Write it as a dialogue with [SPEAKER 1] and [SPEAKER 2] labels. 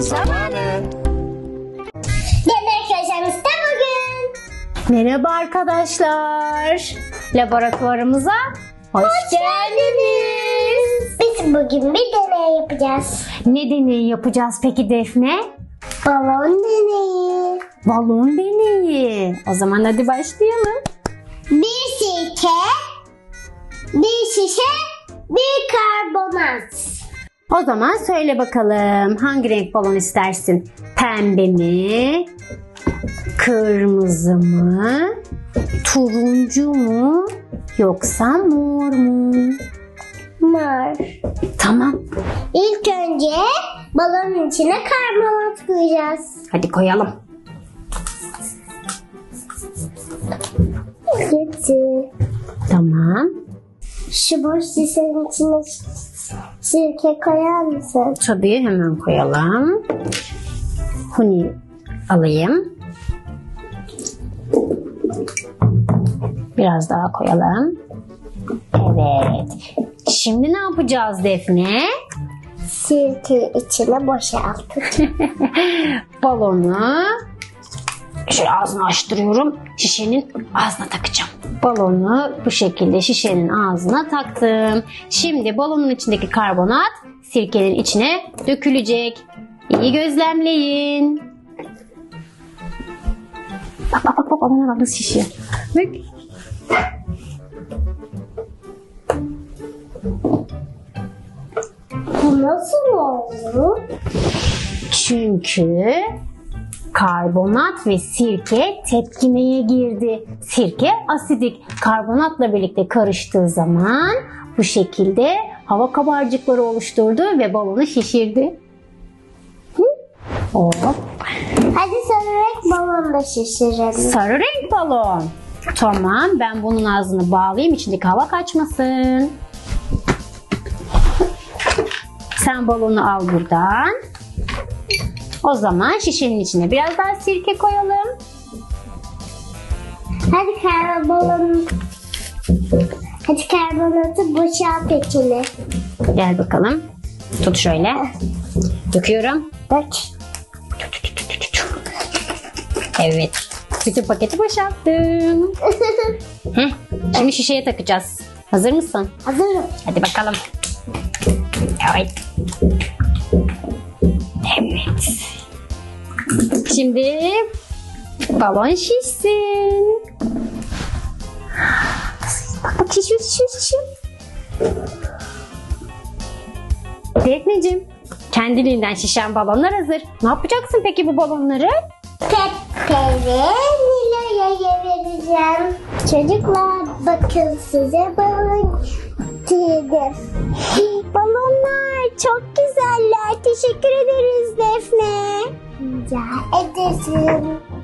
[SPEAKER 1] zamanı.
[SPEAKER 2] Yemek köşemizde bugün.
[SPEAKER 3] Merhaba arkadaşlar. Laboratuvarımıza hoş geldiniz.
[SPEAKER 2] Biz bugün bir deney yapacağız.
[SPEAKER 3] Ne deneyi yapacağız peki Defne?
[SPEAKER 2] Balon deneyi.
[SPEAKER 3] Balon deneyi. O zaman hadi başlayalım.
[SPEAKER 2] Bir sirke, bir şişe, bir karbonat.
[SPEAKER 3] O zaman söyle bakalım hangi renk balon istersin? Pembe mi? Kırmızı mı? Turuncu mu? Yoksa mor mu?
[SPEAKER 2] Mor.
[SPEAKER 3] Tamam.
[SPEAKER 2] İlk önce balonun içine karbonat koyacağız.
[SPEAKER 3] Hadi koyalım.
[SPEAKER 2] Getir.
[SPEAKER 3] Tamam.
[SPEAKER 2] Şu boş şişenin içine sirke koyar mısın?
[SPEAKER 3] Tabii hemen koyalım. Huni alayım. Biraz daha koyalım. Evet. Şimdi ne yapacağız Defne?
[SPEAKER 2] Sirke içine boşalttık.
[SPEAKER 3] Balonu şöyle ağzını açtırıyorum. Şişenin ağzına takacağım. Balonu bu şekilde şişenin ağzına taktım. Şimdi balonun içindeki karbonat sirkenin içine dökülecek. İyi gözlemleyin. Bak balona bak nasıl şişiyor. Bak.
[SPEAKER 2] Bu nasıl oldu?
[SPEAKER 3] Çünkü karbonat ve sirke tepkimeye girdi. Sirke asidik. Karbonatla birlikte karıştığı zaman bu şekilde hava kabarcıkları oluşturdu ve balonu şişirdi. Hop.
[SPEAKER 2] Hadi sarı renk balon da şişirelim.
[SPEAKER 3] Sarı renk balon. Tamam, ben bunun ağzını bağlayayım, içindeki hava kaçmasın. Sen balonu al buradan. O zaman şişenin içine biraz daha sirke koyalım.
[SPEAKER 2] Hadi karbonatı boşalt içine.
[SPEAKER 3] Gel bakalım. Tut şöyle. Döküyorum.
[SPEAKER 2] Dök.
[SPEAKER 3] Evet. Bütün paketi boşalttım. Şimdi şişeye takacağız. Hazır mısın?
[SPEAKER 2] Hazırım.
[SPEAKER 3] Hadi bakalım. Evet. Evet. Şimdi balon şişsin. Bak şişiyor. Defneciğim, kendiliğinden şişen balonlar hazır. Ne yapacaksın peki bu balonları?
[SPEAKER 2] Pepe'yi Nilo'ya vereceğim. Çocuklar bakın size balon getirdim. Balonlar çok güzeller. Teşekkür ederiz Defne. Rica ederim.